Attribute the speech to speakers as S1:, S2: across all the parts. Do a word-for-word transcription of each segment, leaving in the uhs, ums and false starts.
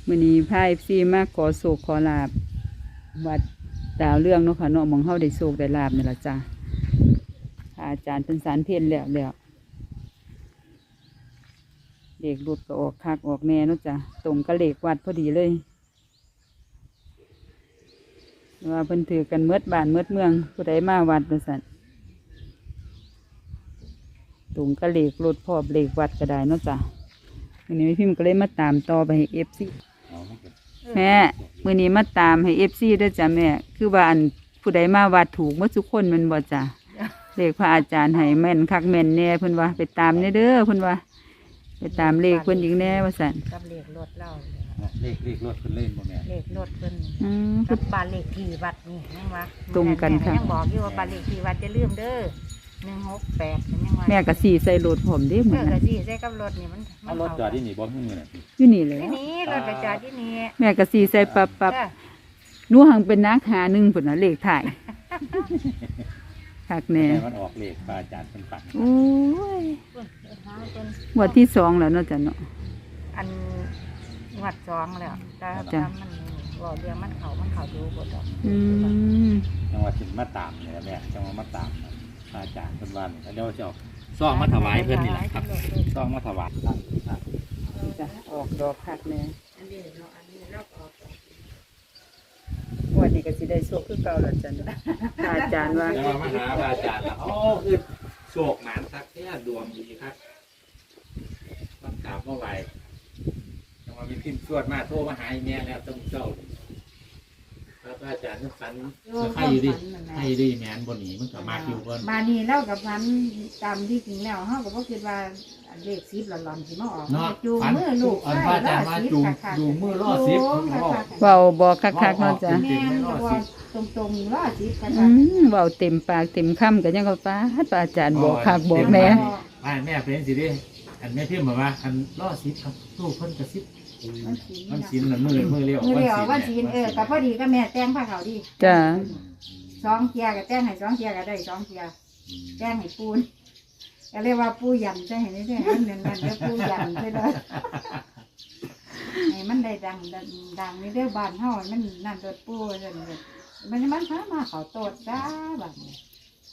S1: มื้อนี้พา เอฟ ซี มาขอโศกขอลาบวัดดาวเรื่องเนาะค่ะเนาะหม่องเฮาได้โศกได้ลาบนี่ล่ะจ้ะอาจารย์เป็นสารเพียรแล้วแล้วเลขรถก็ออกคักออกแน่เนาะจ้ะตรงกับเลขวัดพอดีเลยว่าเพิ่นถือกันเมดบ้านเมดเมืองผู้ใดมาวัดว่าซั่นตรงกับเลขรถพร้อมเลขวัดก็ได้เนาะจ้ะมื้อนี้พิมพ์ก็เลยมาตามต่อไปให้ เอฟ ซี แม่มื้อนี้มาตามให้ เอฟ ซี ด้วยจ้ะแม่คือว่าอันผู้ใดมาวัดถูกหมดทุกคนแมันบ่จ้ะเลขพระอาจารย์ให้แม่นคักแม่นแน่เพิ่นว่าไปตามเด้อเพิ่นว่าไปตามเลขเพิ่นอีกแน่ว่าซั่น
S2: กับเลขรถเล่า
S3: เลขเลขรถเพิ่นเล่นบ่แม่
S2: เลขรถเพิ่น
S1: อืม
S2: กับบ้านเลขที่วัดนี่ยังว่า
S1: ตรงกันค่ะ
S2: ยังบอกอยู่ว่าบ้านเลขที่วัดจะลืมเด้อหนึ่งหกแปดยังว่า
S1: แม่ก็สีใส่รถผมเด้เหมื
S2: เมื่
S1: อ
S2: อน กะ
S1: น่ะ
S2: สิใส่กับรถนี่มัน
S3: เอารถจอดที่นี่บ่ฮึ่งมื้อน่ะ
S1: อยู่นี่แหละ
S2: ที่นี่รถไปจอดที่นี่
S1: แม่ก็สีใส่ปับปับ
S2: จ้ะ
S1: หนูหังเป็นนักหาหนึ่งพุ่นน่ะเลขถ่ายคักแน่
S3: แม่มันออกเลขพระอาจารย์เพิ่นปัง
S1: โอ้ย
S2: เพิ่นหาเพิ่น
S1: งวดที่สองแล้วเนาะจ้ะเนาะ
S2: อันงวดสองแล้วแต่
S1: จ้ะ
S2: ถ้ามันบอกเรื่องมันเขามันเขาดูบ่ดอก
S1: อืม
S3: จังว่าสิมาตามนี่ล่ะแม่จังว่ามาตามพระอาจารย์เพิ่นว่านี่แล้วเดี๋ยวจะเอาซองมาถวายเพิ่นนี่แหละครับซองมาถวายครับ
S1: จ้ะออกดอกคักแน่
S2: อันนี้เนาะอันนี้เราออก
S1: งวดนี้ก็สิได้โชคคือเก่าแล้วจ้ะเนาะพระอาจารย์ว่า
S3: จังว่ามาหาพระอาจารย์ล่ะอ๋อคือโชคหมานคักแท้ดวงดีครับมันกราบมาไหว้จังว่ามีพิมพ์สวดมาโทรมาหาอีแม่แล้วต้องเจ้าพระอาจารย์นึกฝันใครอยู่ดิใครอยู่ดิแม่นบ่หนีมันก็มาคิวเพิ่น
S2: มานี่เล่ากับพันตามที่จริงแล้วเฮาก็บ่คิดว่าเลขสิบหลอนๆสิมาออก
S3: เนาะ
S2: จูงมือลูก
S3: อันพระอาจารย์มาจูงจูงมือล่อสิบ
S1: เว้าบ่คักๆเนาะจ้ะ
S2: แม่นก็ว่าตรงๆล่อสิบกัน
S1: อืมเว้าเต็มปากเต็มคำก็ยังก็ป้าดพระอาจารย์บอกคักบอกแน่
S3: ไม่แม่เป็นสิดิอันแม่พิมพ์บอกว่าอันล่อสิบครับตู้เพิ่นกระซิบมันสินละมือมือเรียว
S2: มือเดียววันศีลเออก็พอดีก็แม่แต่งผ้าขาวดี
S1: จ้ะ
S2: สองเทียก็แต่งให้สองเทียก็ได้สองเทียแต่งให้ปูนก็เรียกว่าปูยันแต่งให้ได้ให้มันเงินๆแล้วปูยันไปเลยให้มันได้ดังดังในเรื่องบ้านเฮามันนั่นตัวปูซั่นเลยมันมันพามาเขาโตดจ้าบัดนี้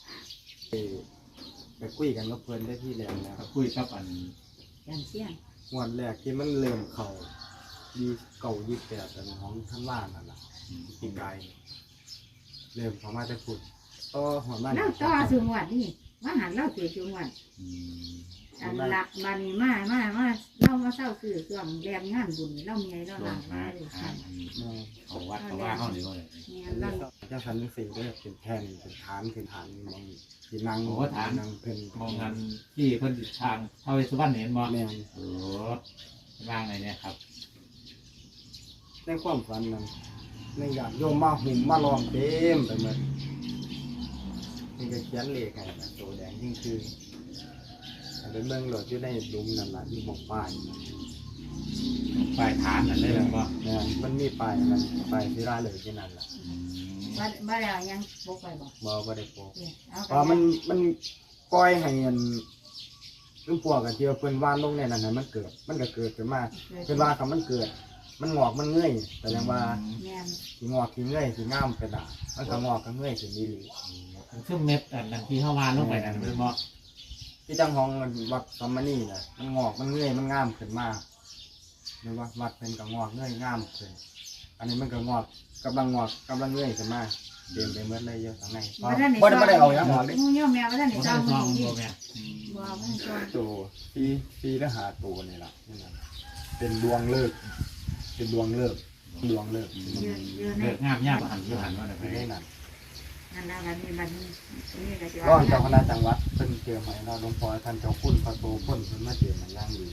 S4: ไปคุยกันกับเพื่อนได้ที่แรกแล้ว
S3: คุยกับอัน
S2: ยันเสียง
S4: วันแรกที่มันเริ่มเข่ายี่เก่ายี่แปดอันของท่านว่านั่นแหละปีกายเริ่มเขามาจะพูดต่อหัวบ้าน
S2: เล่าต่อสูงวัดนี่มาหันเล่าเสียสูงวัดอันหลักบานีมามามาเล่ามาเศร้าสื่อส่วนแรงงานบุญเล่าเมียเล่า
S3: ล
S2: หลั
S3: ง
S2: ง
S3: มา
S2: มาเลย
S3: อ่า
S2: ค่ะ
S3: เขาวัดเขาว่าเขาหรือว่า
S2: เนี่ยเล่า
S4: เจ้าสันนิสีก็เป็นแท่นเป็นฐานเป็นฐานมองที่นั่ง
S3: โอ้ฐาน
S4: นั่งเป็น
S3: มองงานที่เพิ่นทางเท้าเวสสุวรรณเห็นบ่
S4: แม่น
S3: โอ้ว่างไงเนี่ยครับ
S4: ในความฝันนั้นในอยากโยมมาหุ่มมาลองเต็มไปหมดนี่ก็เขียนเลขไงนะตัวแดงยิ่งคืออันเป็นเมืองหลวงอยู่ในหลุมนั่นแหละที่บอกป้าย
S3: ปลายฐานนั่นได้แล้วบ่
S4: เนี่ยมันมีป้ายมันป้ายที่ร้านเลยที่นั่นแหละ
S2: บ้านบ้านเรายังบกไปบอก
S4: บ่บ่ได้โปก
S2: เนี่ยเอา
S4: เพราะมันมันปล่อยให้เงินลุงพวกกันเที่ยวเพิ่นว่านลงในนั้นให้มันเกิด มันก็เกิดขึ้นมาเพิ่นว่าคำมันเกิด มันงอกมันเงยแต่ยังว่า
S2: เนี่ย
S4: สิงอกสิเงยสิงามไปด่ามันก็งอกก็เงยสิมีหลี
S3: ซึ่งเม็ดอันนั้นที่เข้ามาลงไปนั่นเป็นบ่
S4: ที่จังห้องวัดสมมานี่น่ะมันงอกมันเงยมันงามขึ้นมาหรือว่าวัดเพิ่นก็งอกเงยงามขึ้นอันนี้มันก็งอกกำลังงอกกำลังเงยขึ้นมาเต็มไปหมดเลยเยอะข้างในบ่ได้บ่ได้เอาอย่างออกเลย
S2: งูย่อมแมวบ้านไหน
S3: บ่
S2: จ้า
S3: ได้
S2: ง
S3: ซอง
S2: ดี
S3: บ่แม่
S2: บัวบ้านจ้าง
S4: ตัวปีปีละหาตัวนี่ล่ะนี่นะเป็นดวงเลิกเป็นดวงเลิกดวงเลิก
S2: เยอะเยอะใน
S3: เลิกงามยากบ่หันบ่หันว่าได้ไป
S4: ไม่ได้นั่น
S2: นั่นนะวันนี้มันนี่ก็จะ
S4: ร้อนเจ้าคณะจังหวัดเพิ่นเตรียมให้เราหลวงพ่อท่านเจ้าคุณพระโตพ่นเพิ่นมาเตรียมให้ย่างดี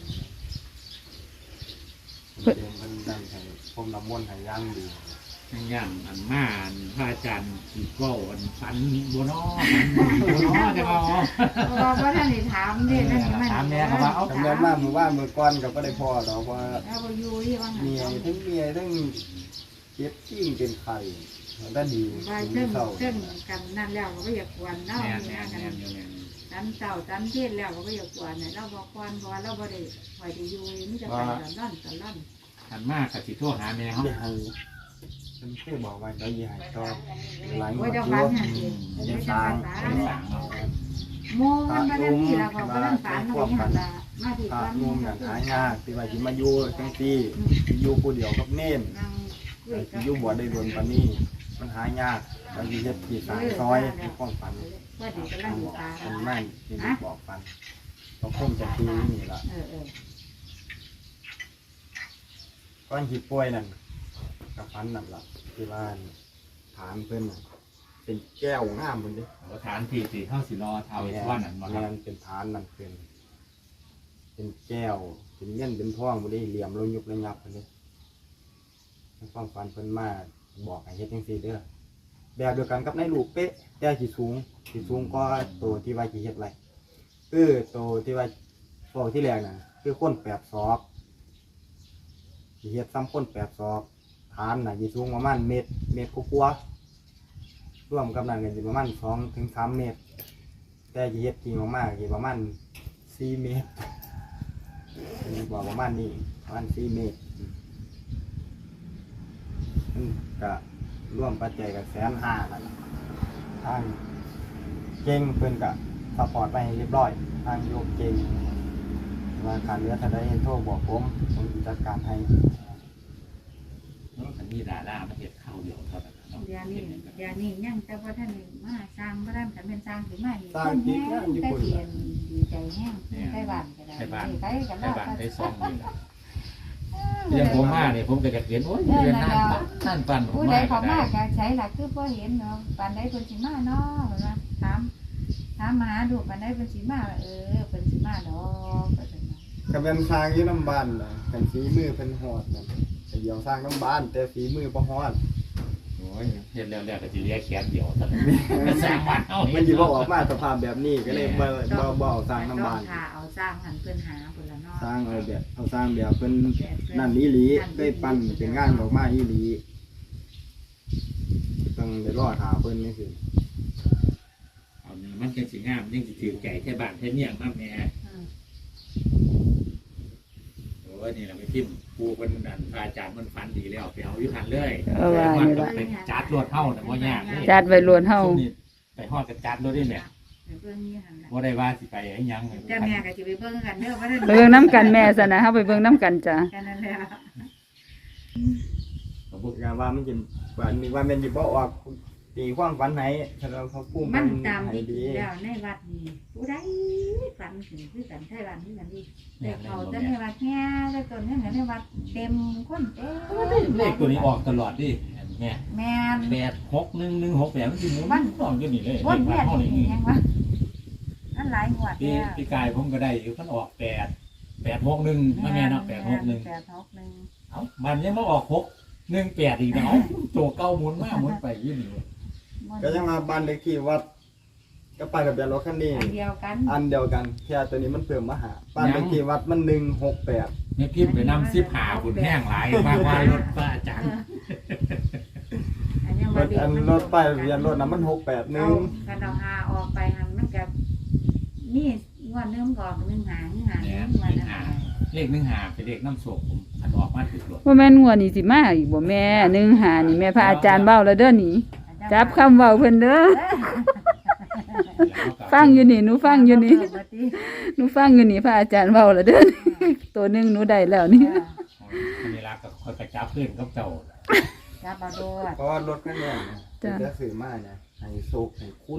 S4: เพิ่นเตรียมเพิ่นนั่นให้พรมน้ำมนต์ให้ย่างดี
S3: อย่างอันมาอันพระอาจารย์อีกก็อันฝันบัวน้อฝันบัวน้อจะเอา
S2: บัวบ้านไหนถามเนี่ยนั่นมัน
S4: ทำเงินมาเมื่อว่านเมื่อก่อนก็บ่ได้พอดอกว่า
S2: เอาไปอยู่ที่ว่าง
S4: เมียทั้งเมียทั้งเจ็บชิ่งเป็นไข่ได้ดี
S2: ใบเส้นเส้นกันนั่นแล้วก็อยากกวนเนาะ
S3: แม่น
S2: เนี่
S3: แม่
S2: ย
S3: น
S2: กัน
S3: แม่นแม่น
S2: ตันเต่าตันเทศแล้วก็อยากกวนเนี่ยเราบอกกวนเพราะว่าเราบ่ได้คอยได้อยู่นี่จะไปตอนนั่นตอนนั่น
S3: ขันมากกับสิโทรหาแม่เขา
S4: ที่ให้เป็นเคยบอกไว้แล้วยี่ให้ต่อหลายงว
S2: ว่า
S4: ด
S2: เจ้า
S4: อ
S2: ฟั
S4: ยู่
S2: นหันสิ
S4: ยั
S2: เจ้าง
S4: ส
S2: ฟั
S4: ร้าง
S2: น
S4: ยั
S2: สาง
S4: สร้าง
S2: โมกันมาได้ที่เราบอกว่านั่นฝันอะไรหันละมาที่
S4: พระ
S2: ก้อน
S4: นุ่มอย่างหายากที่ว่าสิมาอยู่จังซี่สิอยู่ผู้เดียวกับเน้น
S2: นั่งคุย
S4: สิ
S2: กับ
S4: อยู่บ่ได้โดนปานนี้มันหายากบางทีเฮ็ดที่สร้างซอยมีความฝัน
S2: ว่าดีกำลังอยู่ตา
S4: เป็นแม่นที่ได้บอกฝันต้องคงจะทีนี่ล่ะ
S2: เออเออ
S4: ก้อนหิป่วยนั่นกับฝันนั่นล่ะที่ว่าฐานเพิ่นน่ะเป็นแก้วงามเพิ่นเด้
S3: เอาฐานที่ที่เข้าสิรอเทาเวสวรรณนั่นมาค
S4: แม่
S3: รับ
S4: นเป็นฐานนั่นเป็นเป็นแก้วเป็นเงินเป็นทองบ่ได้เหลี่ยมลงยุบระยับเพิ่นเด้ในความฝันเพิ่นมาบอกให้เฮ็ดจังซี่เด้อแบบเดียวกันกับในรูปเป๊ะแต่สิสูงสิสูงกว่าตัวที่ว่าสิเฮ็ดไว้คือตัวที่ว่าพวกที่แรกน่ะคือคนแปดศอกสิเฮ็ดซ้ำคนแปดศอกฐานน่ะสิสูงประมาณเมตรเมตรกว่าๆรวมกับนั้นก็สิประมาณสองถึงสามเมตร แต่สิเฮ็ดจริงมากๆสิประมาณสี่เมตรมีบอกประมาณนี้ประมาณสี่เมตรมันก็ร่วมปัจจัยกับแสนห้านั่นล่ะทางเก่งเพิ่นก็สปอร์ตไปให้เรียบร้อยทางโยกเก่งว่าการเรือถ้าได้โทรบอกผมผมจะจัดการให้
S3: อันนี้ดารามาเห็ดข้าวเดียวเท่านั้นเนาะ
S2: เดี๋ยวนี้เดี๋ยวนี้ยังแต่ว่าท่านมาสร้างพระรามขันเป็นสร้างถึงมาดีคนแห้งได้เปลี่ยนดีใจแห้งได้บ้านก็ได้ไปกัน
S3: ใน
S2: แล้ว
S3: บ้านได้ซองนี่แหละเรื่องผมมาเนี่ยผมก็จะเขียนโอ้ยเรียนนั่นนั่นปั่นผม
S2: ผู้ใด
S3: มา
S2: เขา
S3: ก็
S2: มา
S3: ได้
S2: กใช้หลักคือพ่อเห็นเนาะปันได้เป็นสิมาเนาะนะถามถามมาดูปันได้เป็นสิมาเออเป็นสิมาเนาะก็เป็น
S4: ก็เป็นสร้างอยู่น้ำบ้านน่ะเป็นฝีมือเพิ่นฮอดนั่นแต่เดี๋ยวสร้างน้ำบ้านแต่ฝีมือบ่ฮอด
S3: โอ้ยเห็นแล้วแล้วก็จะเรียกแขนเดียวเท่านั้นมันสร้างบ้านเอา
S4: มันสิบ่ออกมาสภาพแบบนี้ก็เลยบ่บ่บ่เอาสร้างน้ำบ้าน
S2: ค่ะเอาสร้างหันเพื่อนหาคนละเนาะ
S4: สร้างเอาแบบเอาสร้างแบบเพิ่นนั่นอีหลีได้ปั้นเป็นงานออกมาอีหลีต้องได้รอหาเพิ่นนี่สิ
S3: เอานี่มันจังสิงามยังสิถือไก่แค่บ้านแค่เมี่ยงมาแม่โอ้ยนี่เราไปพิมพ์ปูเป็นอันพระอาจารย์มันฝันดีแล้วไปเอาอยู่หันเลย
S1: เออว่านี่ล่ะ
S3: ไปจัดรถเท่าแต่ว่ายากเลย
S1: จัดไว้ล้วนเฮา
S3: ซุ่มนี่ไปฮอดกับจัดรถนี่แหละ
S2: เพื่อนนี่หัน
S3: ว่าได้ว่าสิไปให้ยัง
S2: แต่แม่ก็จะไปเบิ่งกันเด้อว่าได้
S1: ไปเบิ่งน้ำกันแม่ซะนะเฮาไปเบิ่งน้ำกันจ้ะ
S2: แค่นั้นแหละ
S3: ผมบอก
S4: งานว่ามันจะว่านี่ว่าแม่นสิบ่ออกตีความฝันให้ถ้าเราเขาพูด
S2: มันตาม
S4: ให้
S2: ดี
S4: ดี
S2: แล้วในวัดนี่ผู้ใดฝันถึงคือกันไทยบ้านคือกันดีแต่เขาจะในวัดแง่แต่ตอนนี้ในวัดเต็มคนเต็ม
S3: เลขตัวนี้ออกตลอดดิแม่
S2: แม่น
S3: แปดหกหนึ่งหนึ่งหกแปดมันสิหมุนออกอยู่นี่เลย
S2: วน
S3: เล
S2: เวีย
S3: ข
S2: น
S3: ห้องนี้
S2: นี่ยังวะนั่นหลายงวด
S3: พี่
S2: เนี่ย
S3: พี่กายผมก็ได้อยู่มันออกแปดแปดหกหนึ่งมาแม่เนาะแปดหกหนึ่ง
S2: แปดหกหนึ่ง
S3: เอ้ามันยังมาออกหกหนึ่งแปดอีกเนาะตัวเก้าหมุนมากหมุนไปอยี่นี่
S4: ก็ยังมาบ้านเลขที่วัดก็ไปกับเบียนรถคันนี้
S2: อันเดียวกัน
S4: อันเดียวกันแค่ตัวนี้มันเพิ่มมาหาบ้านเลขที่วัดมันหนึ่งหกแปด
S3: นี่พิมพ์ไปนำซิบหาบุญแห้งหลายมากว่ารถป้าอาจารย์
S2: อันยัง
S4: ร
S2: ว่า
S4: ถ
S2: เด็ก
S4: อัน
S2: มัน
S4: รถไปเบียนรถนะมันหกแปดห
S2: เอา
S4: นึ่ง
S2: กันเอาหาออกไปหันมันกับนี่งวดเริ่มก่อนหนึ่งหาหนึ่งหาหนึ่งวันนะ
S3: เลขหนึ่งหาเป็นเลขน้ำโศกผมอันออกมาถึงรถ
S1: ว่าแม่นงวดนี้สิมาอีกบ่แม่หนึ่งหานี่แม่พระอาจารย์เว้าแล้วเด้อนี่จับคำเว้าเพิ่นเด้อฟังอยู่นี่หนูฟังอยู่นี่หนูฟังอยู่นี่พระอาจารย์เว้าแล้วเด้อตัวหนึงหนูได้แล้วนี่
S3: อันนี้รักก็คอยกระจับเพื่อนกับเจ้า
S2: จับเอาโดด
S4: เพราะว่ารถคันนี้เนี่ยจะสื่อมาเนี่ยให้โศกให้คุ้น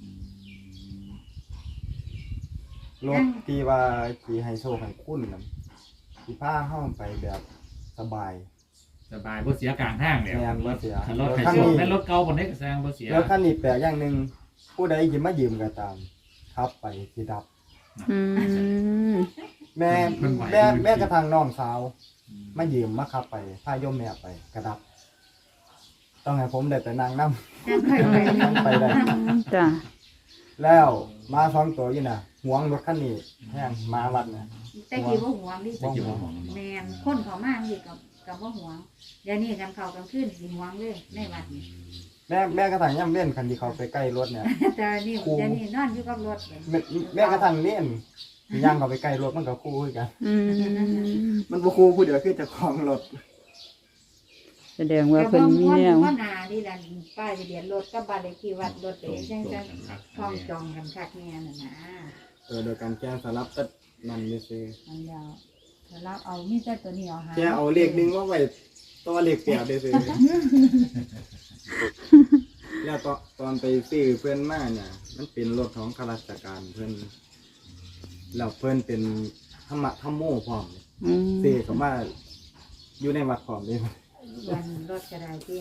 S4: รถที่ว่าขี่ให้โศกให้คุ้นนะที่พาเข้าไปแบบสบาย
S3: สบายบ่เสียกลางทางแล้ว
S4: แม่นบ่เสีย
S3: รถไถโซ่แม่รถเก่าบนนี้ก็แซงบ่เสีย
S4: แล้วคันนี้แปลกอย่างหนึ่งผู้ใดยิมมายืมก็ตามขับไปสิดับ
S1: อืม
S4: แม่แม่แม่กระทั่งน้องสาวมายืมมาขับไปพาโยมแม่ไปกระดับ ต้องให้ผมได้ไปนั่งนั่ง
S2: จังเคยไป
S4: ไปได้
S1: จ้ะ
S4: แล้วมาสองตัวอยู่น่ะหวงรถคันนี้แห้งมาวัดน่ะ
S2: แต่กี้ว่าห่วงดิ
S3: จะอยู่ของ
S2: แมนคนเขามากดิกับกับว่าห่วงเดี๋ยวนี้กันเขากันขึ้นสิห่วงเลยในวัดนี่
S4: แม่แม่กระทั่งย่ำเล่นคันที่เขาไปใกล้รถเนี่ย
S2: แต่นี่เดี๋ยวนี้นอนอยู่กับรถ
S4: แม่แม่กระทั่งเล่นย่างเขาไปใกล้รถมันก็คู่กัน
S1: อืม
S4: มันบ่คู่ผู้เดียวคือเจะคลองรถ
S1: แสดงว่าเพิ่นมีแนว
S2: ว่านาที่ดันป้ายทะเบียนรถกับบ้านเลขที่วัดรถเองจังจังห้องจองกันคักแน่น่ะนะ
S4: เออโดยการแก้สลับตัดนั่นนี่สิ
S2: มันยาวแล้วเราเอามีแต่ตัวนี้เอาหา
S4: แก้เอาเลขหนึงมาไว้ตัวเลขแปดได้สิแล้วตอนตอนไปซื้อเพื่อนมาเนี่ยมันเป็นรถของข้าราชการเพื่อนแล้วเพื่อนเป็นธรรมะธรรมโมพร้อม
S1: อืม
S4: ซื้อเขามาอยู่ในวัดพร้อมเลย
S2: วันรถกระไดที่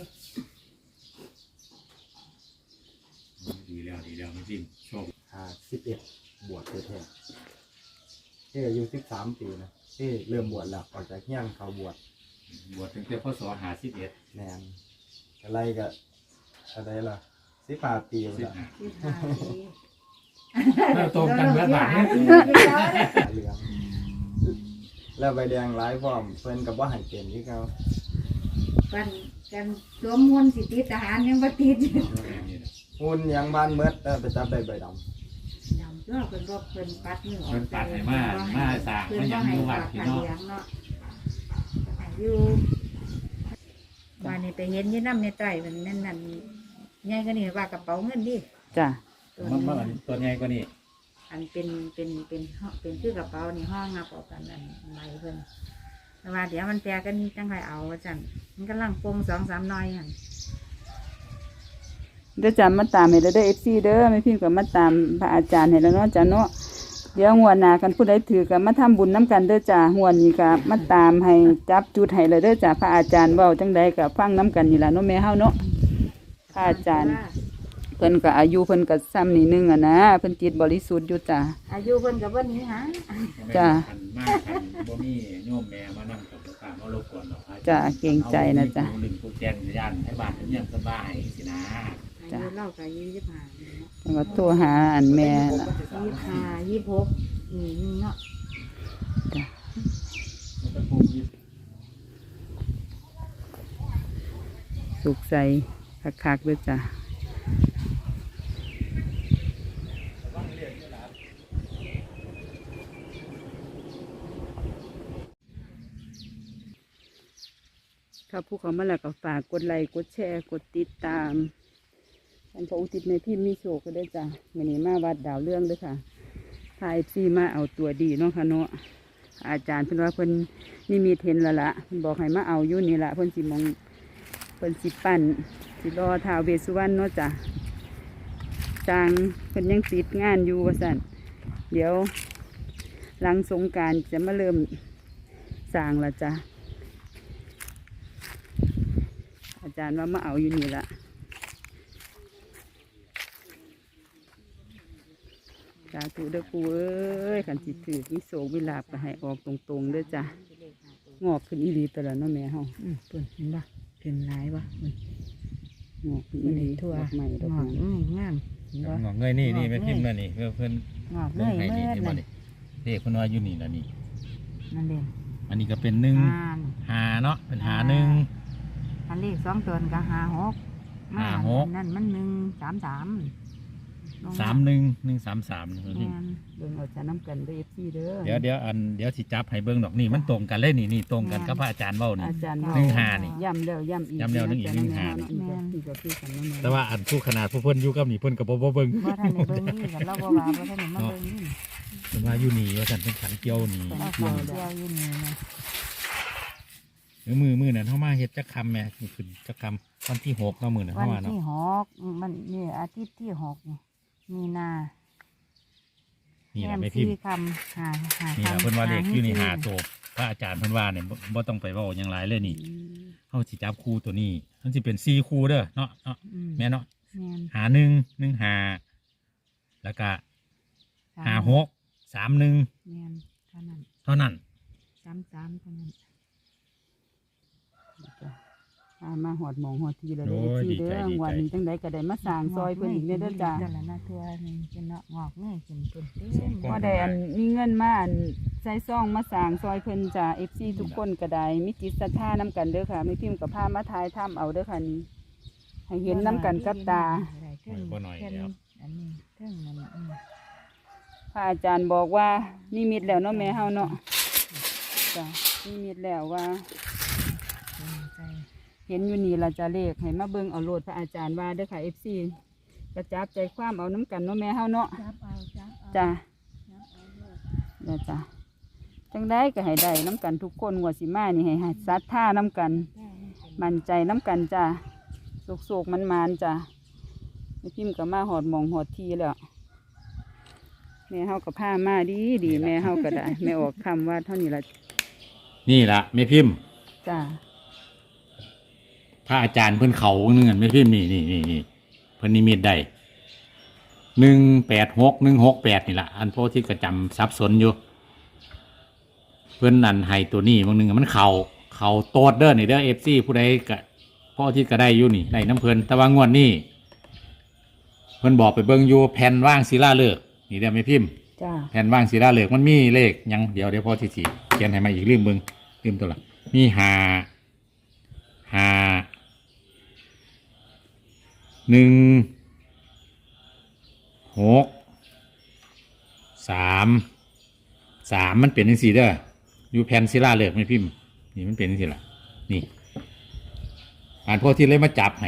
S3: ดีแล้วดีแล้วไม่พิมพ์โชค
S4: อ่าสิบเอ็ดบวชแท้ๆที่อายุสิบสามปีนะที่เริ่มบวชแล้วออกจากเฮี้ยงเขาบวช
S3: บวชตั้งแต่พศห้าสิบเอ็ด
S4: แนนอะไรก็อะไรล่ะสิบห้าปี
S3: สิบ
S4: แล้ว
S3: ห้า
S2: ที่หาที่
S3: เราตรงกันเมื่อบ่าย
S4: เหลืองแล้วใบแดงหลายพร้อมเพิ่นกับว่าให้เป็นที่เขา
S2: กันกันสวมมวลสิติทหารยังบ่ติด
S4: หุ่นยังบ้านเมดแล้วไปจับได้ใบด
S2: ดำก็เพิ่นบ่เพิ่นปัดมือออก
S3: เพิ่นปัดให้มามาสร้าง
S2: เพิ่น
S3: มาห
S2: บ่
S3: ยัง
S2: ให้
S3: อยู่
S2: ฝา
S3: วัด
S2: ก
S3: พี่
S2: ขัน
S3: เนาะ
S2: เหลืองเนาะอยู่วันนี้ไปเห็นอยี่น้ำในใต้มันนั่นนั่นใหญ่ก็นี่ว่ากระเป๋าเงินดิ
S1: จ้ะ
S2: ตัว
S3: มัน
S2: นี้
S3: มันตัวใหญ่กว่านี้
S2: อันเป็นเป็นเป็นห่อเป็นคือกระเป๋านี่ห้องงับออกกันนั่นใบเพิ่นแต่ว่าเดี๋ยวมันแตกกันจังไรเอาว่าจันมันกำลังปรุงสองสามหน้อยหั่น
S1: เดี๋ยวจะมาตามให้เด้อเด้อ เอฟ ซี เด้อไม่พิมพ์ก็มาตามพระอาจารย์ให้แล้วเนาะจ้ะเนาะเดี๋ยวงวดหน้ากันผู้ใดถือก็มาทำบุญน้ำกันเด้อจ้ะงวดนี้ก็มาตามให้จับจุดให้เลยเด้อจ้ะพระอาจารย์เว้าจังใดก็ฟังน้ำกันนี่ล่ะเนาะแม่เฮาเนาะพระอาจารย์เพิ่นก็อายุเพิ่นก็ซ้ำนี่นึงอ่ะนะเพิ่นจิตบริสุทธิ์อยู่จ้ะ
S2: อายุเพิ่นกับวันนี้ฮะ
S1: จ้ะ
S3: คันมากคันบ่มีโยมแม่มานั่งกับลูกค้ามารบกวนหรอก
S1: จ้ะเกรงใจนะจ๊ะ
S3: เอาหนึ่งผู้แจนย่านให้บ้านเพิ่นยังสบายสินะ
S2: อายุเล่ากับอายุยี่สิบห้า
S1: แต่ว่าโทรหาอันแม่ล่ะ
S2: ยี่สิบห้ายี่สิบหกนี่นี่เนาะ
S3: มันจะพูดยิบ
S1: สุขใจคักๆเด้อจ้ะถ้าผู้เขามาแล้วก็ฝากกดไลค์กดแชร์กดติดตามท่านพระอุทิศในพิมพ์มีโชคก็ได้อจ้ะวันนี้มาวัดดาวเรื่องด้วยค่ะพายซีมาเอาตัวดีเนาะค่ะเนาะอาจารย์เพิ่นว่าเพิ่นนี่มีเทนและละเพิ่นบอกให้มาเอาอยู่นี่ละเพิ่นสิมองเพิ่นสิปั่นสิรอท้าวเวสสุวรรณเนาะจ้ะจางเพิ่นยังติดงานอยู่ว่าสั่นเดี๋ยวหลังสงกรานต์จะมาเริ่มสร้างละจ้ะอาจารย์ว่ามาเอาอยู่นี่ละสาธุเด้อปูเอ้ยขันสิถือวิโสวิลาบก็ให้ออกตรงๆเด้อจ้ะงอกขึ้นอีหลีแต่ละเนาะแม่เฮา
S2: อืมเพิ่นเห็นปะเป็นหลายปะ
S1: งอกขึ้นอีหลี
S2: ทั่ว
S1: ดอกไม้ดอก
S2: งอก
S1: ไม้
S2: ง่ายงามเห็นปะ
S3: งอกเงยนี่นี่ไม่พิมพ์นั่นนี่เพื่อเพิ่น
S2: งอก
S3: เบิ่
S2: เง
S3: ง
S2: ย
S3: ให้
S2: เมื่
S3: นี่
S2: อ
S3: เห็นบ่
S2: นั่น
S3: นี่เด็กเพิ่นว่าอยู่นี่ล่ะนี่
S2: นั่นเด่น
S3: อันนี้ก็เป็นหนึ่ง
S2: อ่าน
S3: หาเนาะเป็นหาหนึ่ง
S2: อันเลขสองตัวก็หาหก
S3: ห้าหก
S2: นั่นมันหนึ่งสามสาม
S3: สามหนึ่งหนึ่งสามสาม
S2: แม่น
S1: เบิ่งเอาจะน้ำกันเด้อ เอฟ ซี เด้อ
S3: เดี๋ยวเดี๋ยวอันเดี๋ยวสิจับให้เบิ่งดอกนี่มันตรงกันเลยนี่นี่ตรงกันกับพระอาจารย์เว้านี่
S1: อาจารย์
S3: หนึ่งห้านี่
S1: ย่ำแล้วย่ำอีก
S3: ย้ำแล้วหนึ่งอีกหนึ่งห้านี่
S1: แม่นที่ก็คือกันเนาะแม่
S3: แต่ว่าอันผู้ขนาดผู้เพิ่นอยู่กับนี่เพิ่นก็บ่บ่เบิ่ง
S2: ว่าท่านในเบิ้งนี่กับเราบ่ว่าว่าท่านในมาเบิ้งนี่
S3: เพิ่นว่าอยู่นี่ว่าซั่นเพิ่นขันเกี่ยวนี่
S2: เราฟังเที่ยวอยู่นี่นะ
S3: เดี๋ยวมือมือนั้นเฮามาเฮ็ดจักคำแหม่นี่ขึ้นจักคำวันที่หกเนาะมื้อนั้น
S2: วั
S3: เฮาน มาเนาะ
S2: ที่หกมันนี่อาทิตย์ที่หกนี่มีนา
S3: นี่แหละ
S2: แม่
S3: ไม่พิมพ์
S2: สี่คำหาหา
S3: นี่แหละ
S2: คำ
S3: เพิ่นว่าเลขอยู่นี่หา
S2: ให้
S3: โตพระอาจารย์เพิ่นว่าเนี่ยบ่บ่ต้องไปเว้าหยังหลายเลยนี่เฮาสิจับคู่ตัวนี้มันสิเป็นสี่คู่เด้อเนาะเนาะ
S2: อืม
S3: แม่เนาะ
S2: แม่น
S3: หาหนึ่งหนึ่งหาแล้วก็หาหกสามหนึ่ง
S2: แม่นเท่านั้น
S3: เท่านั้น
S2: สามสามเท่านั้น
S1: อ่ามาหอดหมองหอดทีแล้วเด้อ เอฟ ซี เด้อวันนี้จังใดก็ได้มาสร้างซอยเพิ่นอีกเด้อเด้อจ้ะ
S2: นั่นแหละนะตัวนึงเป็นเนาะงอกเงยขึ้นเพิ่นเต็ม
S1: พอได้อันมีเงินมาอันใส่ซองมาสร้างซอยเพิ่นจ้ะ เอฟ ซี ทุกคนก็ได้มีจิตศรัทธานํกันเด้อค่ะไม่พิมพ์กับพามาทายถ้ำเอาเด้อค่ะนี่ให้เห็นนํกันกับตา
S2: เทิง
S3: บ่หน่อยแล้ว
S2: อันนี้เทิงนั่นอืม
S1: พระอาจารย์บอกว่านิมิตแล้วเนาะแม่เฮาเนาะจ้ะนิมิตแล้วว่า
S2: ใจ
S1: เห็นอยู่นี่เราจะเลขให้มาเบิ่งเอาโลดพระอาจารย์ว่าเด้อค่ะ เอฟ ซี กระจับใจความเอาน้ำกันเนาะแม่เฮาเนาะ
S2: จับเอาจับเอา
S1: จ้ะ
S2: จับเอาลูก
S1: เดี๋ยวจ้ะจังได้ก็ให้ได้น้ำกันทุกคนงวดสิมานี่ให้ให้ศรัทธาน้ำกัน
S2: ได้ให้เป็น
S1: มั่นใจน้ำกันจ้ะโศกๆมันมานๆจ้ะแม่พิมพ์ก็มาหอดหมองหอดทีแล้วแม่เฮาก็พามาดีดีแม่เฮาก็ได้ แม่ออกคำว่าเท่านี้ละ
S3: นี่ละแม่พิมพ์
S1: จ้ะ
S3: พระอาจารย์เพิ่นเขาเงื่อนแม่พิมพ์นี่นี่นี่นี่เพิ่นนิมิตได้หนึ่งแปดหกหนึ่งหกแปดนี่ละอันพวกที่กระจำสับสนอยู่ เพิ่นนั่นให้ตัวนี้บางหนึงมันเข่าเข่าโตดเด้อนี่เด้อเอฟซีผู้ใดก็พ่อที่ก็ได้อยู่นี่ได้น้ำเพิ่นแต่ว่างวดนี้เพิ่นบอกไปเบิ่งอยู่แผ่นว่างศิลาฤกษ์นี่เด้อแม่พิมพ์
S1: จ้ะ
S3: แผ่นว่างศิลาฤกษ์มันมีเลขหยังเดี๋ยวเดี๋ยวพ่อที่สี่เขียนให้มาอีกลืมเบิ่งลืมตัวละมีห้าห้าหนึ่งหกสามสามมันเป็นจังซี่เด้ออยู่แผ่นศิลาฤกษ์แม่พิมพ์นี่มันเป็นจังซี่ล่ะนี่อ่านพ่อที่เลยมาจับให้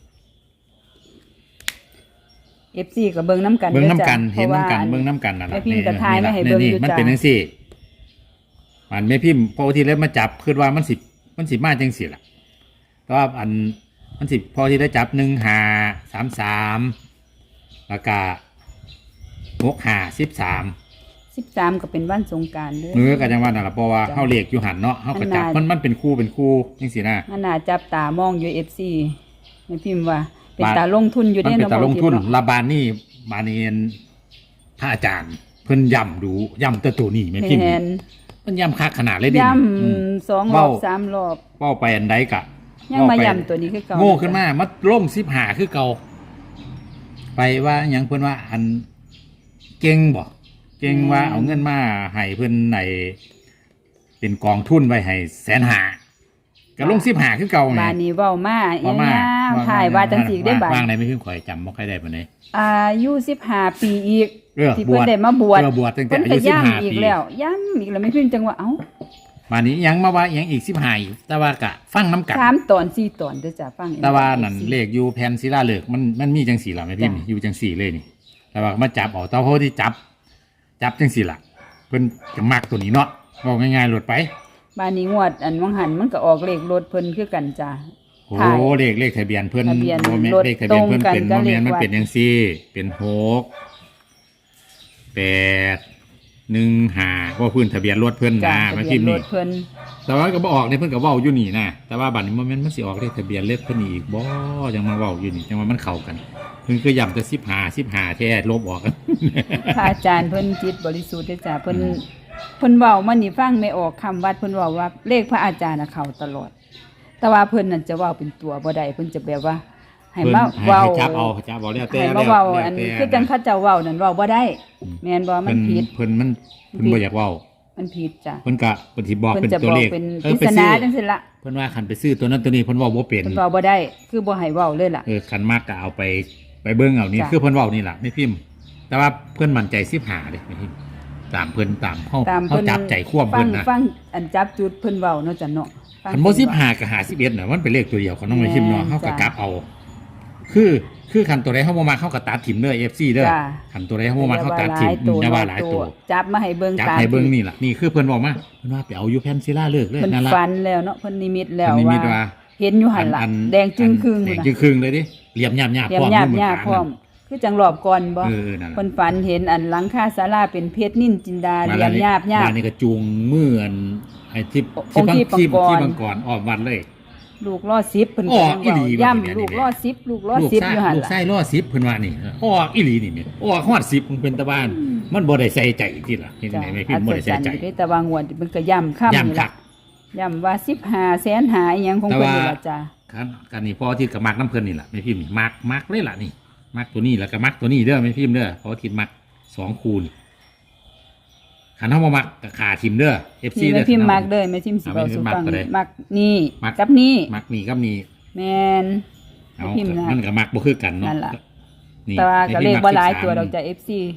S1: เอฟซีก็เบิ่งน้ำกัน
S3: เบิ้งน้ำกัน
S1: ด้อจ้ะ
S3: เห็นน้ำกัน
S1: พราะว่า
S3: เบิ้งน้ำกันนั่นแหละ
S1: แม่พิมพ์กระทายไม่ให้เบิ่งอยู่
S3: มัน
S1: จ้ะ
S3: เป็นจังซี่มันแม่พิมพ์พอที่แล้วมาจับคือว่ามันสิมันสิมาจังซี่ล่ะแต่ว่าอันมันสิพอที่ได้จับหนึ่งห้าสามสามแล้วก็หกห้าสิบสาม
S1: สิบสามก็เป็นวันสงกรานต์เด้อ
S3: เนื้อกันจังว่านั่นแหละเพราะว่า
S1: จ้ะ
S3: เฮาเลขอยู่หันเนาะเฮาก็จับ
S1: อั
S3: มัน นมันเป็นคู่เป็นคู่จังซี่นะ
S1: มันน่าจับตามองอยู่เอฟซีแม่พิมพ์ว่า เป็น
S3: บาท
S1: ตาลงทุนอยู่
S3: มัน
S1: ได้
S3: เป็น
S1: เนาะ
S3: ตาลงทุน
S1: บ่ทิพย์เนาะ
S3: ลาบานนี่บานีนพระอาจารย์เพิ่นย่ำดูย่ำแตัวตัวนี้แม่พิมพ์
S1: แม่น
S3: มันย่ำคักขนาดเลยดิ
S1: ย่
S3: อืม
S1: ำสองรอบ
S3: เว้า
S1: สามรอบ
S3: เป้าไปอันใดกะ
S1: ยังมา
S3: เว้ไป
S1: ย่ำตัวนี้คือเก่า
S3: โง่ขึ้นมามัดล่มสิบหาคือเก่าไปว่าหยังเพิ่นว่าอันเก่งบ่เก่งว่าเอาเงินมาให้เพิ่นในเป็นกองทุนไว้ให้แสนหาก็ลงสิบหาคือเก่าไง
S1: บานนี้เว้ามา
S3: เว้ามา
S1: ย่าวถ่ายว่าจังสีได้บาด
S3: ว่างในไม่เพิ่งข่อยจำบ่ค่อยได้ปานใด
S1: อายุสิบห้าปีอีก
S3: เออ
S1: ที่
S3: บ
S1: เพิ่
S3: วน ช
S1: ได้มาบวช
S3: เออบวชตั้งแต่
S1: เพิ่น
S3: อา
S1: ก็
S3: ยุสิบห้า
S1: ย่ำอีก
S3: ปี
S1: แล้วย่ำอีกแล้วไม่พิมพ์จังว่าเอ้า
S3: มานี้ยังมาว่ายังอีกสิบหาอีกแต่ว่ากะฟังน้ำกัน
S1: สามตอนสี่ตอนเด้อจ้ะฟังเอง
S3: แต่ว่านั่นเลขอยู่แผ่นศิลาฤกษ์มันมันมีจังสี่ล่ะแม่พิมพ์
S1: จ้ะ
S3: อยู่จังสี่เลยนี่ แต่ว่ามาจับเอาแต่พอที่จับ จับจังสี่ล่ะเพิ่นจะมักตัวนี้เนาะบอกง่ายๆหลุดไป
S1: บานนี้งวดอันวังหันมันก็ออกเลขรถเพิ่นคือกันจ้ะ
S3: โอ้
S1: ถ่าย
S3: เลขเลขทะเบียนเพิ่น
S1: ทะเบียน
S3: โมเมน
S1: รถ
S3: เลขทะเบียนเพิ่น
S1: ตรงกัน
S3: เป็น
S1: กับ
S3: โมเมน
S1: เลข
S3: มัน
S1: วัด
S3: เป็นจังสี่ เป็นหกแปดหนึ่งห้าว่าพื้นทะเบียนรถเพิ่น
S1: จ้ะ
S3: นะ
S1: ทะ
S3: มา
S1: เบีย
S3: พิ
S1: น
S3: มพ์
S1: ร
S3: นี่
S1: ถเพิ่น
S3: แต่ว่าก็บ่ออกเนี่ยเพิ่นก็เว้าอยู่นี่นะแต่ว่าบัดนี้โมเมนต์มันสิออกเลขทะเบียนเลขเพิ่นอีกบ่จังมาเว้าอยู่นี่จังว่ามันเข้ากันเพิ่นคือย้ำแต่สิบห้า สิบห้าแท้ลบออกกัน
S1: พระอาจารย์เพิ่นจิตบริสุทธิ์เด้อจ้ะเพิ่นเพิ่นเว้ามันนี่ฟังไม่ออกคำวัดเพิ่นเว้าว่าเลขพระอาจารย์น่ะเข้าตลอด แต่ว่าเพิ่นนั่นจะเว้าเป็นตัวบ่ได้เพิ่นจะแบบว่า ให้
S3: เพิ่น
S1: มา
S3: ให้
S1: เว้า
S3: ให้จับเอาจับเอาแล้วแต่
S1: ให้
S3: แล้
S1: มาว เว้า
S3: แล้ว
S1: อัน
S3: แต่
S1: คือจังเขาเจ้าเว้านั่นเว้าบ่ได้ แม่นบ่มัน
S3: เพิ่น
S1: ผิด
S3: เพิ่นมันเพิ่นบ่อยากเว้า
S1: มันผิดจ้ะ
S3: เพิ่นก็เพิ่นสิบอก
S1: เพิ่น
S3: เป็น
S1: จะ
S3: ตั
S1: บ
S3: ว
S1: อก
S3: เลข
S1: เป็น
S3: เอ
S1: ป
S3: อ
S1: ริ
S3: ไป
S1: ศ
S3: ซื้
S1: นา
S3: อ
S1: จังซี่ละ
S3: เพิ่นว่าคันไปซื้อตัวนั้นตัวนี้เพิ่นเว้าบ่เป็น
S1: เพิ่นเว้าบ่ได้ คือบ่ให้เว้าเลยล่ะ
S3: เออคันมากก็เอาไปไปเบิ่งเอานี่
S1: จ้ะ
S3: คือเพิ่นเว้านี่ล่ะไม่พิมพ์ แต่ว่าเพิ่นมั่นใจสิบห้าเด้ไม่พิมพ์ตามเพิ่นตามเฮา
S1: ตาม
S3: เฮา
S1: เพิ่น
S3: จับใจควบ
S1: ฟั
S3: เพิ่
S1: ง
S3: นนะ
S1: ฟังอันจับจุดเพิ่นเว้าเนาะจ้ะเนาะฟัง
S3: คันบ่สิบห้ากับห้าสิบเอ็ดน่ะมันเป็นเลขตัวเดียวของน้องไม่พิมพ์เนาะ
S1: แม่น
S3: เฮาก็
S1: จ้ะ
S3: กลับเอา คือคือคันตัวใดเฮาบ่มักเฮาก็ตัดถิ่มเด้อ เอฟ ซี เด้อ
S1: จ้ะ
S3: คันตัวใดเฮาบ่มักเฮาตัดถิ่มอืมอย่าว่าหลายตัว
S1: จับมาให้เบิ่ง
S3: จับ
S1: ตาม
S3: ให้เบิ่ง
S1: ที่
S3: นี่ล่ะนี่คือเพิ่นบอกมาเพิ่นว่าไปเอาอยู่แผ่นศิลาฤกษ์เลย
S1: เพิ่น
S3: นั่นล่ะ
S1: ฝันแล้วเนาะเพิ่นนิมิตแล้ว
S3: เพิ่นนิมิต
S1: ว่า
S3: ว่า
S1: เห็นอยู่หั่นล่ะ
S3: อัน
S1: แดงจึงครึ่ง
S3: แด
S1: พุ่น
S3: ง
S1: น่ะ
S3: จึงครึ่งเลยดิเหลี่ยมหยาบๆ
S1: เตรีย
S3: พ
S1: ม
S3: ร้อม
S1: หยาบ
S3: มือ
S1: หยาบ
S3: ข
S1: พร้อม คือจังรอบก่อนบ่
S3: เออนั่นล่ะ
S1: เพิ่นฝันเห็นอันหลังคาศาลาเป็นเพชรนิ่นจินดาเหลี่ยมหยาบหยาบ
S3: บ้านนี้ก็จูงมืออันไอ้ที่
S1: องค์ที่
S3: ที่
S1: ปังกร
S3: ที่บังกรออกวัดเลย
S1: ลูกล้อสิบเพิ่น
S3: อ๋อ
S1: ก็ยัง
S3: อีหลี
S1: เว้า
S3: ว่าเป็นอย่างนี้
S1: ย่ำลูกล้อสิบลูกล้อ
S3: ลูก
S1: สิบ
S3: ไส้
S1: อยู่หั่น
S3: ลูก
S1: ล่ะ
S3: ไส้ล่อสิบเพิ่นว่านี่ออกอีหลีนี่แม่นออกฮอดสิบมันเป็นตะบ้าน มันบ่ได้ใส่ใจที่ล่ะเห็นไหนไม่พิมพ์บ่ได้ใส่ใจ
S1: อัศจรรย์อยู่เด้แต่ว่างวดมันก็ย่ำค่ำนี่
S3: ย่ำคั
S1: ล่ะ
S3: ก
S1: ย่ำว่าสิบห้าแสนหาอหยังของ
S3: แต่
S1: เพิ่น
S3: ว่า
S1: นี่ล่ะจ้ะ
S3: คันกันนี่พอที่กับมักน้ำเพิ่นนี่ล่ะไม่พิมพ์นี่มักมักเลยล่ะนี่มักตัวนี้แล้วก็มักตัวนี้เด้อไม่พิมพ์เด้อเพราะว่าทิดมักสองคูณขันเฮาบ่มักก็ขาทิมเด้อ เอฟ ซี
S1: นี่
S3: เด้
S1: แม่
S3: อ
S1: พิมพ์มักเด้อแม่พิมพ์สิ
S3: เอา
S1: เว้า
S3: แม่พิ
S1: สู่
S3: มพ์มัก
S1: ฟัง
S3: ก็ได้
S1: มักนี่
S3: มัก
S1: กับนี่
S3: มักนี่กับนี่
S1: แม่น
S3: เอา
S1: พิมพ์นะ
S3: มันก็มักบ่คือกันเนาะ
S1: นั่นล่ะ
S3: นี่
S1: แต่ว่าก็เลขบ่หลายตัวดอก
S3: จ้ะ
S1: จ้ะ เอฟ ซี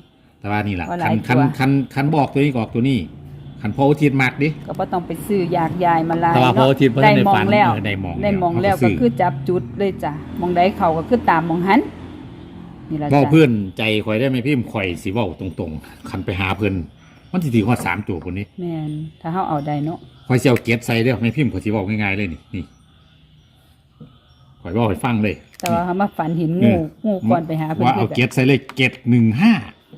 S3: แต่ว่านี่แหละ
S1: ว่าหลา
S3: คั
S1: ย
S3: นคัน
S1: ตัว
S3: คันคันบอกตัวนี้ก็ออกตัวนี้คันพออุทิศมากดิ
S1: ก็บ่ต้องไปซื้ออยากยายมาลาย
S3: แต่ว่าพอ
S1: เนาะ
S3: อุทิศเพิ่น
S1: ได้
S3: ได้
S1: มอ
S3: ฝั
S1: ง
S3: น
S1: แล้ว
S3: เออได้มอง
S1: ได้มองแล้ว
S3: เขา
S1: ก็
S3: ซื้
S1: คือจับจุดเลยจ้ะมองใดเขาก็คือตามมองหันนี่ล่ะ
S3: เว้า
S1: จ้ะ
S3: เพื่อนใจข่อยได้ไหมพี่ข่อยสิเว้าตรงๆคันไปหาเพิ่นมันสิถือฮอดสามตัวพุ่นนี้
S1: แม่นถ้าเฮาเอาได้เนาะ
S3: ข่อยสิเอาเก็บใส่เด้อแม่พิมพ์ข่อยสิเว้าง่ายๆเลยนี่นี่ข่อยเว้าให้ฟังเลย
S1: แต่ว่าเฮามาฝันเห็นงูงูก่อนไปหาเพิ่น
S3: ว่าเอา
S1: คือ
S3: เก็บใส่เลยเก็บหนึ่งห้าว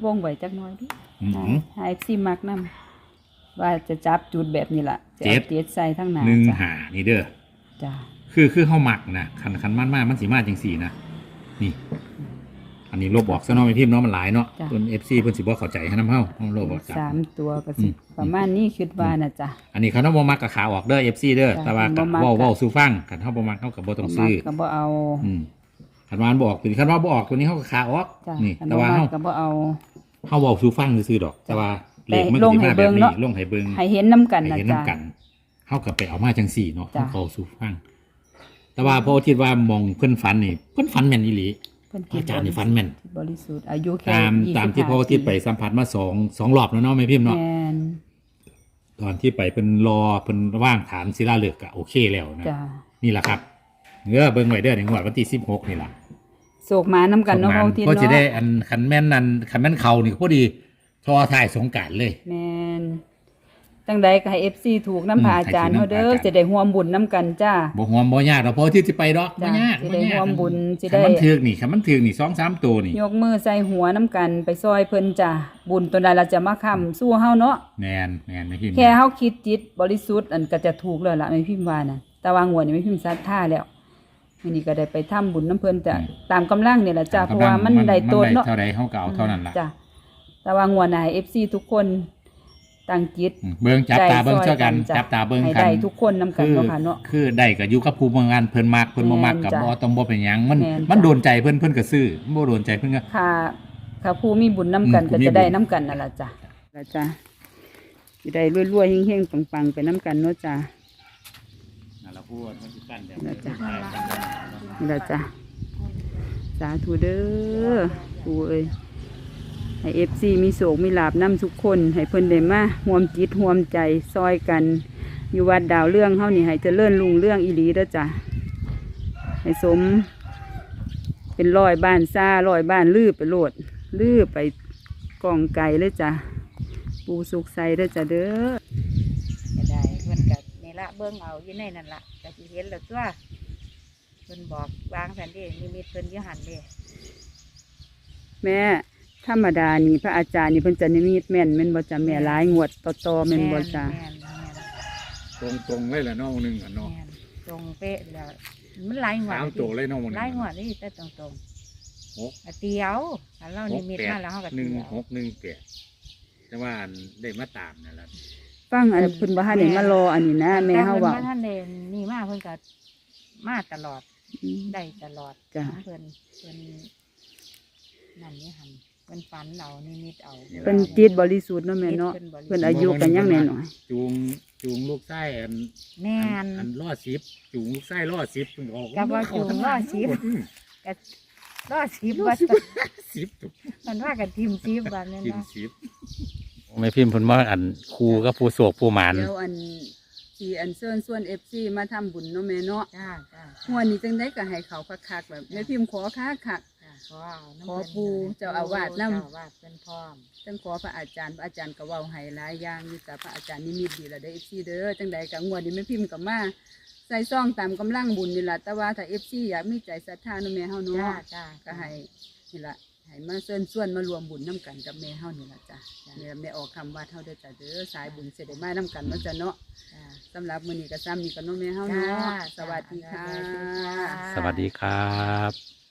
S1: งไว้จักหน่อยดิ
S3: อืม
S1: ให้ เอฟ ซี มักนํว่าจะจับจุดแบบนี้ล่ะจะ
S3: เจ็
S1: เอา
S3: ด
S1: เจ็ดใส่ทั้งหน้า
S3: หนึ่ง
S1: จ้ะ
S3: หานี่เด้อ
S1: จ้ะ
S3: คือคือเฮามักนะคันคันมันมามันสิมาจังสี่นะนี่ อันนี้ลบออกซะเนาะแม่พิมพ์เนาะมันหลายเนาะเพิ่น เอฟ ซี เพิ่นสิบ่เข้าใจให้นำเฮาเฮาลบออกจ้ะ
S1: สามตัวก็สิ
S3: อืม
S1: ประมาณนี้คิดว่าน่ะจ้ะ
S3: อันนี้เขาเนาะบ่มักก็ขาออกเด้อ เอฟ ซี เด้อ
S1: จ้ะ
S3: แต่ว่า
S1: บ่มัก
S3: เว้า
S1: ก็
S3: เว้าสู่ฟังคันเฮาบ่มักเฮาก็บ่ต้องซื้อ
S1: ก็บ่เอา
S3: อืมคันว่ามันบ่ออกตัวนี้คันว่าบ่ออกตัวนี้เฮาก็ขาออก
S1: จ้ะ
S3: นี่
S1: อัน
S3: แต่
S1: บ่
S3: ว่า
S1: มั
S3: เฮาก
S1: ก็บ่เอา
S3: เฮาเว้าสู่ฟังซื่อๆดอก แต่ว่าเลขมัน
S1: ล
S3: ก็
S1: ง
S3: สิ
S1: ให้
S3: มาแบ
S1: เบิ่
S3: บ
S1: ง
S3: นี้
S1: เนาะ
S3: ลงให้เบิ่ง
S1: ให้เห็นน้ำกัน
S3: ให้
S1: นะ
S3: เห็น
S1: จ้ะ
S3: น้ำกันเฮาก็ไปเอามาจังสี่เนาะ
S1: จ้ะ
S3: เฮาสู่ฟัง แต่ว่าพอคิดว่ามองเพิ่นฝันนี่เพิ่นฝันแม่นอีหลี
S1: เพิ่น
S3: อาจารย์นี่ฝันแม่น
S1: บริสุทธิ์อายุแค่
S3: ตาม
S1: ยี่สิบ
S3: ตามที่พ่อที่ไปสัมผัสมาสองสองรอบแล้วเนาะแม่พิมพ์เนาะ
S1: แม่น
S3: ตอนที่ไปเพิ่นรอเพิ่นว่างฐานศิลาฤกษ์ก็โอเคแล้วนะ
S1: จ้ะ
S3: นี่แหละครับเงื้อเบิ่งไว้เด้อในงวดวันที่สิบหกนี่ล่ะ
S1: โศกมาน้ำกันเนาะ
S3: ส่ง
S1: เฮา
S3: มา
S1: ที่
S3: ก็จะได้
S1: เนาะ
S3: อันคันแม่นนั่นคันแม่นเขานี่ก็พอดีทอถ่ายสงกรานต์เลย
S1: แม่นจังใดก็ให้ เอฟ ซี ถูกน้ำพระอาจารย์
S3: อืม
S1: เฮาเด้อ
S3: ให้ถูกนำพระอาจารย์
S1: จะได้ร่วมบุญน้ำกันจ้า
S3: บ่ห่วงบ่ยากดอกเพราะที่สิไปดอกบ่
S1: จ้ะ
S3: ยาก
S1: สิได้
S3: บ่ยาก
S1: ร่วมบุญสิ
S3: คันมัน
S1: ได้
S3: ถึกนี่คันมันถึกนี่สองสามตัวนี่
S1: ยกมือใส่หัวน้ำกันไปซอยเพิ่นจ้าบุญตัวใดเราจะมาค้ำสู้เฮาเนาะ
S3: แม่นแม่นแม่พิมพ์
S1: แค่เฮาคิดจิตบริสุทธิ์อันก็จะถูกแล้วล่ะแม่พิมพ์ว่าน่ะแต่ว่างวดนี้แม่พิมพ์ศรัทธาแล้วมื้อนี้ก็ได้ไปทำบุญน้ำเพิ่นจ้ะตามกำลังนี่ล่ะจ้ะเพราะว่ามันได้โตดเนาะ
S3: เท่าใดเฮาก็เอาเท่านั้นล่ะ
S1: จ้ะแต่ว่างวดหน้าให้ เอฟ ซี ทุกคนตั้งจิต
S3: อืมเบิ่งจับตาเบิ่ง
S1: ใจ
S3: เท่ากัน
S1: จ้ะ
S3: จับตาเบิ่ง
S1: ให้
S3: กัน
S1: ได้ทุกคนนำกัน
S3: คือ
S1: เนาะค่ะเนาะ
S3: คือได้ก็อยู่กับผู้บางงานเพิ่นมักเพิ่นบ่มักก็
S1: แม่นจ้ะ
S3: บ่ต้องบ่เป็นหยังมัน
S1: แม่นจ้ะ
S3: มันโดนใจเพิ่นเพิ่นก็ซื้อบ่โดนใจเพิ่นก็
S1: ค่ะค่ะผู้มีบุญน้ำกัน
S3: อืม
S1: ก็
S3: ผู้มี
S1: จะได้
S3: บุญ
S1: น้ำกันนั่นล่ะจ้ะล่ะจ้ะสิได้รวยๆเฮงๆปังๆไปน้ำกันเนาะจ้ะ
S3: นั่นล่ะพูดมันสิกันแบบ
S1: นั่นล่ะจ้ะ นี่ล่ะจ้ะสาธุเด้อปู่เอ้ยให้ เอฟ ซี มีโศกมีลาบนำทุกคนให้เพิ่นได้มาร่วมจิตร่วมใจซอยกัน อยู่วัดดาวเรื่องเฮานี่ให้เจริญรุ่งเรื่องอีหลีเด้อจ้ะให้สม เป็นร้อยบ้านซ่าร้อยบ้านลือไปโลดลือไปกองไก่เลยจ้ะปูสุกใส่เด้อจ้ะเด้อจะได้เพิ่นกับนี่ละเบิ่งเอาอยู่ในนั่นละก็สิเห็นแล้วตัวเพิ่นบอกวางแผนเด้นิมิตเพิ่นอยู่หันเด้แม่ธรรมดานี่พระอาจารย์นี่เพิ่นจะนิมิตแม่นแม่นบ่จ้ะแม่หลายงวดต่อๆแม่นบ่จ้ะ
S2: แม่นแม่น
S3: ตรงๆเลยล่ะเนาะนึงอ่ะเนาะ
S2: แม่นตรงเป๊ะแล้วมันหลายงวด
S3: สามตัวเลยเนาะนึง
S2: หลายงวดนี่แต่ตรงตรง
S3: หก
S2: ๆเตียวถ้าเรานิมิตมาแล้วเฮาก็
S3: หนึ่
S2: เตี
S3: ง
S2: ยว
S3: หกหนึ่งแปดแต่ว่าอันได้มาตามนั่นล่ะ
S1: ฟังอันเพิ่นบ่ทันได้มารออันนี้นะแม่เฮาเว้า
S2: แต่พิ่นท่านเดนนี่มาเพิ่นก็มาตลอด
S1: อืม
S2: ได้ตลอด
S1: จ้ะ
S2: เพิ่นเพิ่นนั่นนี่หันเพิ่นฝันเอานิมิตเอา
S1: เพิ่นจิตบริสุทธิ์เนาะแม่เนาะเพิ่นอายุกันยังน้อย
S3: จูงจูงลูกไส้อัน
S2: แม่น
S3: อันล่อสิบจูงลูกไส้ล่อสิบเพิ่นออก
S2: กับว่าจูงล่อสิบ
S3: อืม
S2: ก็รอดสิบว่า
S3: สิบตัว
S2: มันว่ากันทีมสิบวันนั้น
S3: กิน
S2: เนาะ
S3: สิบไม่พิมพ์เพิ่นว่าอันครูกับผู้โศกผู้หมาน
S1: เดี๋ยวอันที่อันเชิญส่วน เอฟ ซี มาทำบุญเนาะแม่เนาะ
S2: จ้าจ้า
S1: หัวนี้จังได้ก็ให้เขาคักๆแบบแม่พิมพ์ขอคักคัก
S2: จ้าขอเอาน้ำ
S1: ขอ
S2: เพิ่น
S1: ปู่เจ้าอาวาสนำ
S2: เจ้อาวาสเป็นพร้อม
S1: จังขอพระอาจารย์พระอาจารย์ก็เว้าให้หลายอย่างอยู่แต่พระอาจารย์นิมิตดีละเด้อ เอฟ ซี เด้อจังใดก็งวดนี้แม่พิมพ์ก็มาใส่ซองตามกำลังบุญนี่ล่ะแต่ว่าถ้า เอฟ ซี อยากมีใจศรัทธาเนาะแม่เฮา
S2: จ้า
S1: เนาะ
S2: จ้า
S1: ก็ให้นี่ล่ะให้มาเชิญส่วนมารวมบุญน้กันกับแม่เฮานี่ล่ะจ้ะนี่ล่ะแม่ออกคำว่าเฮาเด้อจ้ะเด้อสายบุญเสได็จมาน้กันเนาะจ้ะเนาะ
S2: จ้า
S1: สำหรับมื้อนี้ก็ซ้ำนี่ก็เนาะแม่เฮาเนาะสวัสดีค่ะ
S2: จ้า
S3: สวัสดีครับ